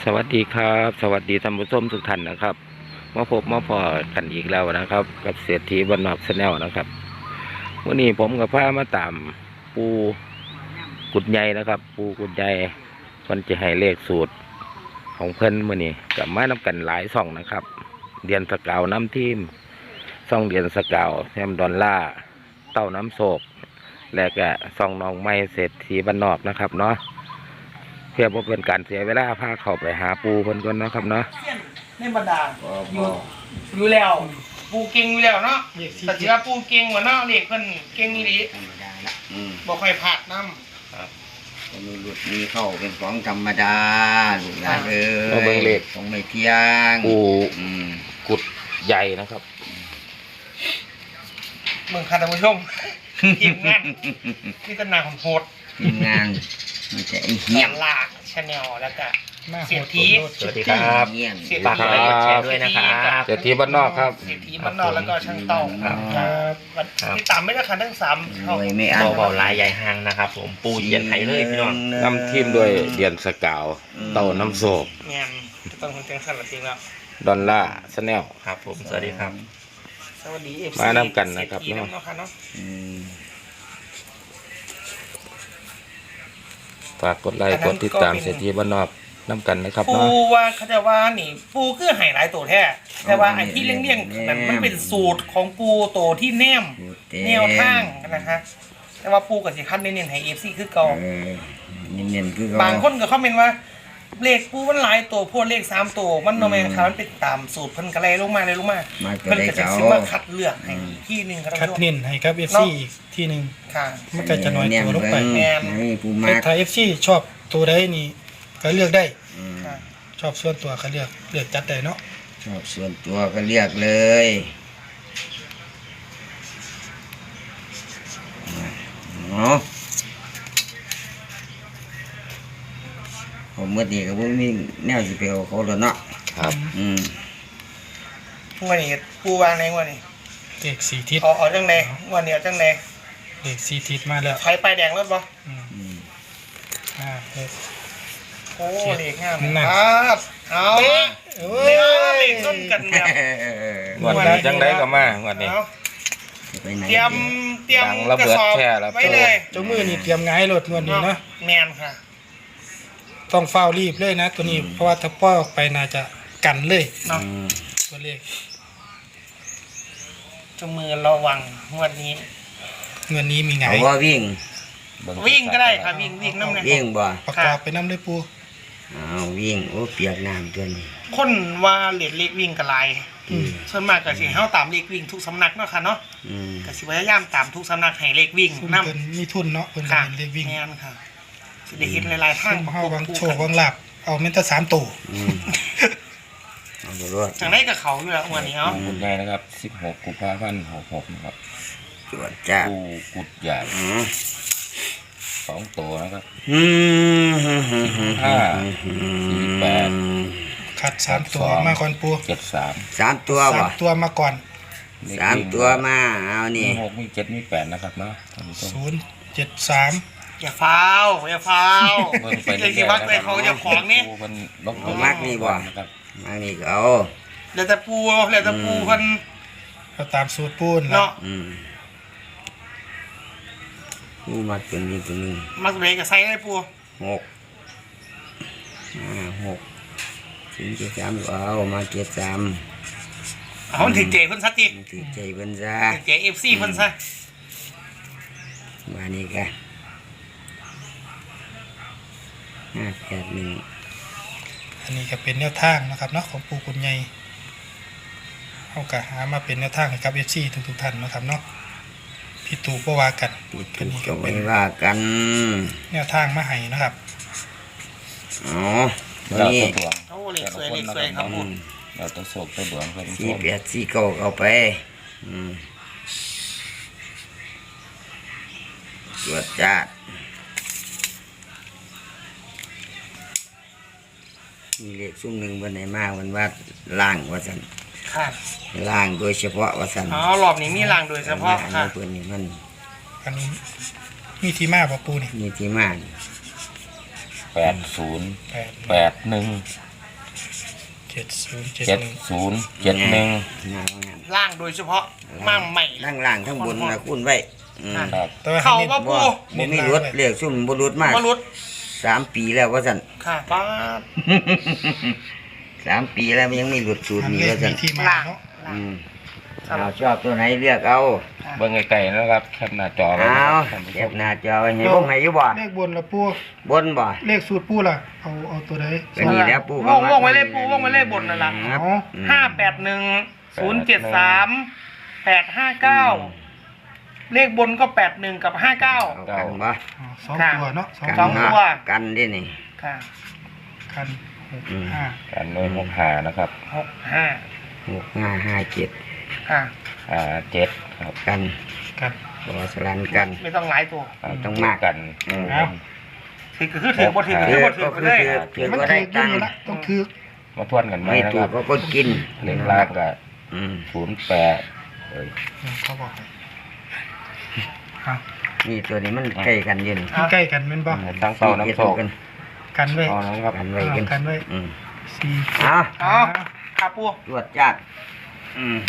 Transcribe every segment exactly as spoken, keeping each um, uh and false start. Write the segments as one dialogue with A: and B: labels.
A: สวัสดีครับสวัสดีท่านผู้ชมทุกท่านนะครับมาพบมาพอกันอีกแล้วนะครับ กับเศรษฐีบ้านนอกชาแนลนะครับวันนี้ผมกับพามาตามปูกุดใหญ่นะครับ ปูกุดใหญ่มันจะให้เลขสูตรของเพิ่นมื่อนี้กับมานำกันหลายช่องนะครับเดียนสกาวน้ำทีมช่องเดียนสกาวแซมดอลล่าเต้าน้ำโศกและก็ช่องน้องไม้เศรษฐีบ้านนอกนะครับเนาะเพื่อบ่เป็นการเสียเวลาพาเข้าไปหาปูเพิ่นก่อนนะครับเนาะ
B: ในบรรดาอยู่อยู่แล้วปูเก่งอยู่แล้วเนาะแต่ถือว่าปูเก่งกว่าเนาะเด็กเพิ่นเก่งนี่ดิบ่ค่อยพลาดนำ
C: ก็มีหลุดมีเข้าเป็นของธรรมดาหลุดละเออ
A: มาเบิ่งเลข
C: ของไม่เที่ยง
A: ปู
C: อืม
A: กุดใหญ่นะครับ
B: เมืองค่ะท่านผู้ชมทีมงานที่ตนาของโหด
C: ทีมงานมันจะไอ้เหี้ยม
B: ลากชาแนลแล้วก็เสียที
A: สวัสดีครับ
C: เหี้ยม
B: เสีย
A: ฝาก
B: ที
A: กดไลค์กดแชร์ด้วยนะครับเศรษฐีบ้านนอกครับ
B: เสียทีบ้านนอกแล้วก็ช่างเต่าครับที่ตามไม่ได้ค่ะทั้งสาม
C: รวยไม่อั้น
D: เบาๆลายใหญ่ห้างนะครับผมปูเย็นไทยเลยพี่น้อง
A: นำทีมด้วยเดียนสกาวเต้าน้ำโศก
B: งานจะต้องคนแจ้งสั่นละจริงแล้ว
A: ดอลล่าชาแนล
D: ครับผมสวัสดีครับ
B: สวัสดีเอฟซี
A: มานำกันนะครับ
B: เนาะค่ะเนาะ
C: อืม
A: ฝากกดไลค์กดติดตามเศรษฐีบ้านนอกน้ำกันนะครับ
B: ปู
A: เนาะ
B: ว่าเขาจะว่านี่ปูคือไห่หลายตัวแท้แต่ว่าไอ้ที่เลี่ยงๆนั้นมันเป็นสูตรของปูโตที่แนม
C: พูดเต็ม
B: แนวทางนะคะแต่ว่าปูกับสิคันเน้นๆให้เอฟซีคือเก่า
C: เออเน้นๆคือเข
B: บางคนก็คอมเมนต์ว่าเลขปูมันหลายตัวพวกเลขสามตัวมันโนแมนครับมันเป็นตามสูตรเพิ่นกระไรลงมาเลยลงมา
C: มาตัว
B: เพิ่น
C: ได้
B: ก็จะ
C: เก่า
B: ซื้อมาคัดเลือกให้ที่หนึ่งครับ
E: คัด
B: ท่านผู้ชม
E: เน้นให้ครับ เอฟ
B: เนาะ
E: ซี อีกที่หนึ่ง
B: ค่ะ
E: มันก็จะน้อยตัวลงไป
B: แม่น
C: นี่ปูมา
E: แต่ถ้า เอฟ ซี ชอบตัวใดนี่ก็เลือกได้
C: อืม
B: ค่ะ
E: ชอบส่วนตัวก็เลือกเลือกจัดได้เนาะ
C: ชอบส่วนตัวก็เรียกเลยเนาะผมเมื่อดีก็บ่มีแนวสิไปเอาเขาแล้วเนาะ
A: ครับ
C: อืม
B: วันนี้ปูวางในวันนี้
E: เลขสี่ทิศ
B: เอาเอาจังไดวันนี้เอาจังได
E: เลขสี่ทิศมาแล้ว
B: ไฟไปแดงรถบ่
E: อืม
C: อืม
E: อ่าเลข
B: โอ้เลขงาม
E: นั่น
B: ครับเอาละเนี่ยเลขต้นกันแบบ
A: งวดนี้จังได้ก็มางวดนี้
B: เอา
C: จะไปไหน
B: เตรียมเตรียม
A: ดังระเบิด
B: กสอบ
A: แช่แล้ว
B: ไว้เลย
E: เจ้ามือนี่เตรียมงายรถงวดนี้เนาะ
B: แมนค่ะ
E: ต้องเฝ้ารีบเลยนะตัวนี้เพราะว่าถ้าปล่อยออกไปน่าจะกันเลย
B: เนาะ
C: อืม
E: ตัวเลข
B: เจามือระวังงวันนี้
E: งวดนี้มีไงา
C: เอา
E: ย
C: ว่าวิ่ง
B: วิ่งก็ได้ค่ะวิ่งวิ่งน้ำเนี่ย
C: วิ่งบ่
E: ประกอบไปน้ำเลยปู
C: เอาวิ่งโอ้เปียกน้ำตัวนี้
B: คนว่าเหรียญเล็กวิ่งกับลาย
C: อืม
B: ส่วนมากก็สิเฮาตามเลขวิ่งทุกสำนักเนาะค่ะเนาะ
C: อืม
B: ก็สิพยายามตามทุกสำนักให้เลขวิ่ง
E: ซุ่ม
B: นํ
E: เพิ่นมีทุนเนาะเพิ่นก็
B: ค่ะ
E: เป็นเลขวิ่ง
B: แม่นค่ะสิได้เห็นหลายๆทาง
E: ซุ่มเฮาบางโชว์บางหลับเอาเมนแตสามตัว
C: อืมเอาไปรวด
B: จังได้กับเขาอยู่แล้ววันนี้เนาะ
A: กุดใหญ่นะครับสิบหกกุมภาพันธ์หกหกนะครับ
C: จวดจ้า
A: ปูกุดใหญ่
C: อืม
A: สองตัวนะครับ
C: อืม
A: ห้าสี่แปด
E: ขัดสามตัวมาก่อนปู
A: เจ็ดสาม
C: สามตัว
E: สา
C: บ่
E: มตัวมาก่อน
C: สามตัวมาเอานี่
A: มีหกมีเจ็ดมีแปดนะครับเนาะท่านผู้ชม
E: ศูนย์เจ็ดสาม
B: อย่าฟ้าวอย่าฟ้าว
A: เบิ่งไป
B: ไอ้
A: เรื่
B: ที่
A: อยๆ
B: วักเลยเขาจะของนี่
A: ปูมันลบ
C: เอามักนี่บ่
A: นะครับ
C: มานี่ก็เอา
B: เดี๋ยวแต่ปูเดี๋ยวแต่ปูเพิ่น
E: เราตามสูตรปูน
B: เนาะ
C: อืมนี่มาตัวนี้ตัวนี้
B: มักเบรกกับไซส์ได้ปู
C: หกห้าหกสี่เจ็ดสามเอามาเจ็ดสาม
B: เอามันถึงเจเพิ่นซะติ
C: ถือใจเพิ่นซะ
B: ถึงเจ เอฟ ซี เพิ่นซะ
C: มานี่ก็ห้าแปดหนึ่ง
E: อันนี้ก็เป็นแนวทางนะครับเนาะของปูกุญใหญ่เอากะหามาเป็นแนวทางให้กับเอฟซีทุกๆท่านนะครับเนาะพี่ตู่ก็ว่ากัน
C: ปิด
E: อัน
C: ถูก
E: นี้
C: ก็
E: ก็
C: ไม่
E: เป็น
C: ว่ากัน
E: แนวทางมาให้นะครับ
C: อ๋อตัว
A: เรา
C: นี้
A: ตัวดวง
B: โอ้เลขสวยเลขสวยครับปู
A: เราตัวโศกตัวดวงครับท่านผู้ช
C: สี่
A: ม
C: แปดสี่เก้าเอาไปอืมตรวจจัดมีเลขซุ่มหนึ่งบนไหนมากมันว่าล่างว่าสัน
B: ค่ะ
C: ล่างโดยเฉพาะว่าสัน
B: อ๋อรอบนี้มีรางโดยเฉพาะ
C: อัน
B: ค่ะ
C: นี้เพื่อนนี่มัน
E: อันนี้มีที่มาบ่ปูนี่
C: มีที่มานี่
A: แปดศูนย์
E: แปด
A: แปดหนึ่ง
E: เจ็ดศูนย์เจ็ด
A: เจ็ด
E: หนึ่ง
A: ศูนย์เจ็ดหนึ่ง
C: งานงาน
B: ล่างโดยเฉพาะมั่งใหม่
C: ล่างล่างทั้งบนนะคุณไว้อืม
A: ครับ
E: แต่ว่า
B: เข้า
E: ให้
B: ว่า
E: เน้น
B: ปู
C: บ่มีรถเรียกซุ่มบ่รถมาก
B: มารุด
C: สามปีแล้วว่าซั่น
B: ค่ะป้าด
C: สามปีแล้วมันยังไม่หลุดสูตร
E: อัน
C: นี้
E: เลข
C: ว่าซั่
E: มี
C: น
E: ที่มา
B: ล่าง
E: เนาะ
B: ล่าง
C: อืม
B: ครับ
C: เอาชอบตัวไหนเลือกเอา
A: เบิ่งไกลๆนะครับแคปหน้าจอไว้
C: เอา
A: ท่านผู้ช
C: เก็บ
A: ม
C: หน้าจอไว้ให้พวกให้อยู่บ่
E: เลขบนละปู
C: บนบ่
E: เลขสูตรปูล่ะเอาเอาตัวใด
C: ก็นี่แหล้วปู่
B: ว่องว่องไว้เลยปูว่องไว้เลยบนนั่นล่ะ
C: ครับ
E: อ๋อ
C: อืม
B: ห้าแปดหนึ่งศูนย์เจ็ดสามแปดห้าเก้าเลขบนก็แปดหนึ่งกับห้าเก้า
C: เอากันบ่
E: อ๋อสอง
B: ค่ะ
E: ตัวเนาะสอง
C: กัน
B: สอง
C: เนาะ
B: ตัว
C: กันดินี่
B: ค่ะ
E: คันหก
C: อืม
E: ห้า
A: การโน้นหกหานะครับ
B: หกห้า
C: หกห้าห้าเจ็ด
B: ค่ะ
A: อ่าเจ็ดครับ
C: กัน
E: กัน
C: บอสลันกัน
B: ไม่ต้องหลายตัว
A: อ่า
C: ต้องมาก
A: กัน
C: อืม
E: เอา
B: ถือคือถือบ่ถือ
C: เอ
B: คือ
C: อ
B: บ่ถือ
C: ก็
B: ไป
C: คือ
B: เลย
C: ถือถือ
E: มัน
C: ก็
E: ถื
C: ได้
E: อ
C: ตั
E: ยิ่
C: ง
E: ง
C: ค์
E: ละต้องถือ
A: มาทวนกันไหม
C: ไม่
A: นะ
C: ถู
A: ค
C: ก
A: รับ
C: ก็ก็กิน
A: เลขลากก็
C: อืม
A: ศูนย์แปดเอ้ย
E: เขาบอกให้เอา
C: นี่ตัวนี้มันใกล้กันอยืน
E: มันใกล้กันแม่นบ่
A: ทั้งเป้าน้ำโชค
C: กัน
E: กันไว้
A: เอานะครับ
C: กันไว้กัน
E: กันไว้
C: อืม
E: สี่
C: เอา
B: เอาค่ะปู
C: ตรวจจัดอืม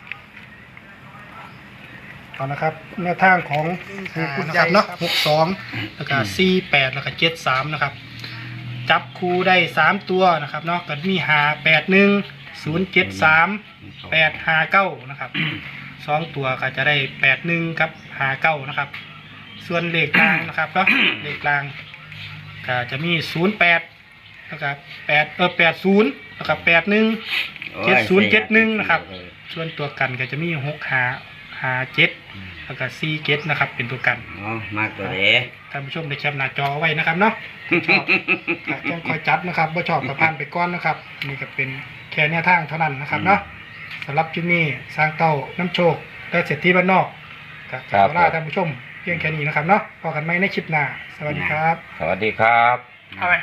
E: เอานะครับแนวทางของผู้คุณนะครับเนาะหกสองแล้วก็สี่แปดแล้วก็เจ็ดสามนะครับ จับคู่ได้สามตัวนะครับเนาะก็มีหาแปดหนึ่งศูนย์เจ็ดสามแปดหาเก้านะครับสองตัวก็จะได้แปดหนึ่งครับหาเก้านะครับ ส่วนเลขกลางนะครับเนาะเลขกลางก็จะมีศูนย์แปดแล้วก็แปดเออแปดศูนย์แล้วก็แปดหนึ่ง เจ็ดศูนย์เจ็ดหนึ่งนะครับ ส่วนตัวกันก็จะมีหกหาหาเจ็ดแล้วก็สี่เจ็ดนะครับ เป็นตัวกัน
C: อ๋อมากตัวเด้
E: ท่านผู้ชมได้แคปหน้าจอไว้นะครับเนาะชอบก็ต้องคอยจัดนะครับว่าชอบกับผ่านไปก้อนนะครับนี่ก็เป็นแค่แนวทางเท่านั้นนะครับเนาะสำหรับที่นี่สร้างเต้าน้ำโชคและเศรษฐีบ้านนอกก็ขอลาท่านผู้ชมเพียงแค่นี้นะครับเนาะพบกันใหม่ในคลิปหน้าสวัสดีครับ
A: สวัสดีครับ
B: เอาไหม